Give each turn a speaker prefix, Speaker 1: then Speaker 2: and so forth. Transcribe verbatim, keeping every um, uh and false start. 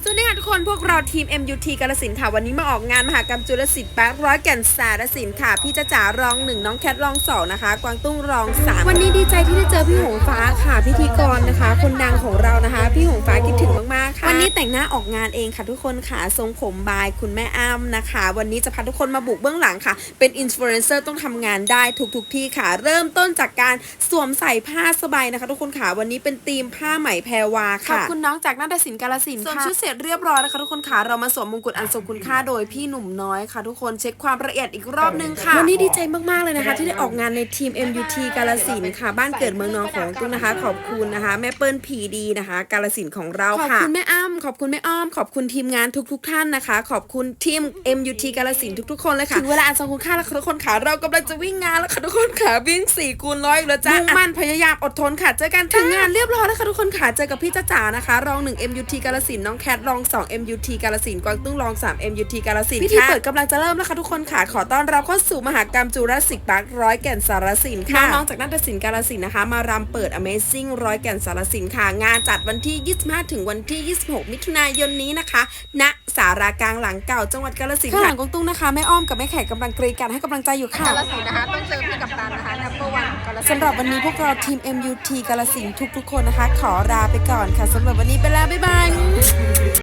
Speaker 1: สวัสดีค่ะทุกคนพวกเราทีม เอ็ม ยู ที กาฬสินธุ์ค่ะวันนี้มาออกงานมหกรรมจุลศิลป์แปดร้อยแก่นสารสินค่ะพี่จ๊ะจ๋ารองหนึ่งน้องแคทรองสองนะคะกวางตุ้งรองสามวันนี้ดีใจที่ได้เจอพี่หงฟ้าค่ะพิธีกรนะคะคนดังของเรานะคะพี่หงฟ้าคิดถึงมากๆค่ะวันนี้แต่งหน้าออกงานเองค่ะทุกคนค่ะทรงผมบายคุณแม่อ้ำนะคะวันนี้จะพาทุกคนมาบุกเบื้องหลังค่ะเป็นอินฟลูเอนเซอร์ต้องทำงานได้ทุกๆที่ค่ะเริ่มต้นจากการสวมใส่ผ้าสบายนะคะทุกคนค่ะวันนี้เป็นธีมผ้าไหมแพรวาค่ะขอบคุณน้องจากนาฏศิลป์กาฬสินธุ์ค่ะสวมชุดเสร็จเรียบร้อยนะคะทุกคนค่ะเรามาสวมมงกุฎอันทรงคุณค่าโดยพี่หนุ่มน้อยค่ะทุกคนเช็คความละเอียดอีกรอบนึงค่ะวันนี้ดีใจมากๆเลยนะคะที่ได้ออกงานในทีม เอ็ม ยู ที กาฬสินธุ์ค่ะบ้านเกิดเมืองนอนของตุ้งนะคะขอบคุณนะคะแม่เปิ้ลผีดีนะคะกาฬสินธุ์ของเราค่ะขอบคุณแม่อ้ำขอบคุณแม่อ้อมขอบคุณทีมงานทุกๆท่านนะคะขอบคุณทีม เอ็ม ยู ที กาฬสินธุ์ทุกๆคนเลยค่ะถึงเวลาอันทรงคุณค่าแล้วค่ะทุกคนค่ะเรากำลังจะวิ่งงานแล้วค่ะทุกคนค่ะวิ่งสี่คูณร้อยแล้วจ้ามุ่งมั่นพยายามอดทนค่ะเจอกันถึงงานเรียบร้อยแล้วค่ะทุกคนค่ะเจอกับพี่จ๊ะจ๋านะคะรองหนึ่ง เอ็ม ยู ที กาฬสินธุ์น้องแคทรองสอง เอ็ม ยู ที กาฬสินธุ์กวางตุ้งรองสาม เอ็ม ยู ที กาฬสินธุ์พิธีเปิดกำลังจะเริ่มแล้วค่ะทุกคนค่ะขอต้อนรับเข้าสู่มหกรรมจูราสสิกพาร์คร้อยแก่นสารสินค่ะน้องๆจากนาฏศิลป์กาฬสินธุ์นะคะมารำเปิด Amazing ร้อยแก่นสารสินค่ะงานจัดวันที่ยี่สิบห้าถึงวันที่ยี่สิบหกมิถุนายนนี้นะคะณศาลากลางหลังเก่าจังหวัดกาฬสินธุ์ค่ะหลังกงตุ้งนะคะแม่อ้อมกับแม่แขกกำลังกรีดกันให้กำลังใจอยู่ค่ะกาฬสินธุ์นะคะต้องเจอพี่กัปตันนะคะนัมเบอร์วันสำหรับวันนี้พวกเราทีม เอ็ม ยู ที กาฬสินธุ์ทุกๆคนนะคะขอลาไปก่อนค่ะสำหรับวันนี้ไปแล้วบ๊ายบาย